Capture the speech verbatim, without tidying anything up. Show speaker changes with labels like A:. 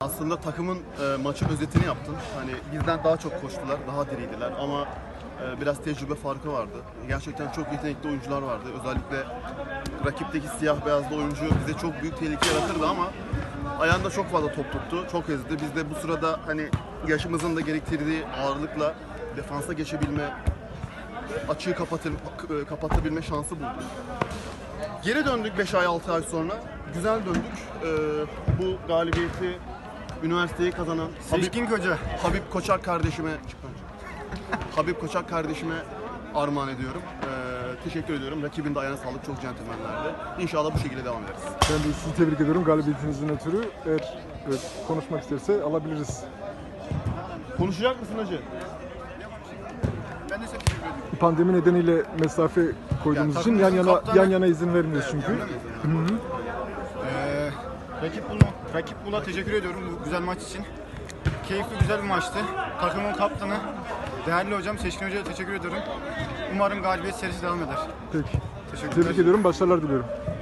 A: Aslında takımın e, maçın özetini yaptın. Hani bizden daha çok koştular, daha diriydiler ama e, biraz tecrübe farkı vardı. Gerçekten çok yetenekli oyuncular vardı. Özellikle rakipteki siyah beyazlı oyuncu bize çok büyük tehlike yaratırdı ama ayağında çok fazla top tuttu, çok ezdi. Biz de bu sırada hani yaşımızın da gerektirdiği ağırlıkla defansa geçebilme, açığı kapatır, kapatabilme şansı bulduk. Geri döndük beş ay altı ay sonra. Güzel döndük. Ee, bu galibiyeti üniversiteyi kazanan
B: Seçkin Koca.
A: Habib Koçak kardeşime Habib Koçak kardeşime armağan ediyorum. Ee, teşekkür ediyorum. Rakibin de ayağına sağlık, çok centilmenlerdi. İnşallah bu şekilde devam ederiz.
C: Ben de sizi tebrik ediyorum galibiyetinizin ötürü. Eğer evet, konuşmak isterse alabiliriz.
A: Konuşacak mısın hacı?
B: Ben de teşekkür ediyorum.
C: Pandemi nedeniyle mesafe koyduğumuz
B: Ya,
C: için yan yana
B: takımımızın
C: yan
B: kaptanı-
C: yana izin vermiyoruz çünkü.
B: Öyle mi?
C: Hı hı.
B: Ee, rakip Bulma, rakip Bul'a teşekkür ediyorum bu güzel maç için. Keyifli güzel bir maçtı. Takımın kaptanı, değerli hocam Seçkin Hoca'ya teşekkür ediyorum. Umarım galibiyet serisi devam eder.
C: Peki.
B: Teşekkürler.
C: Tebrik ediyorum. Başarılar diliyorum.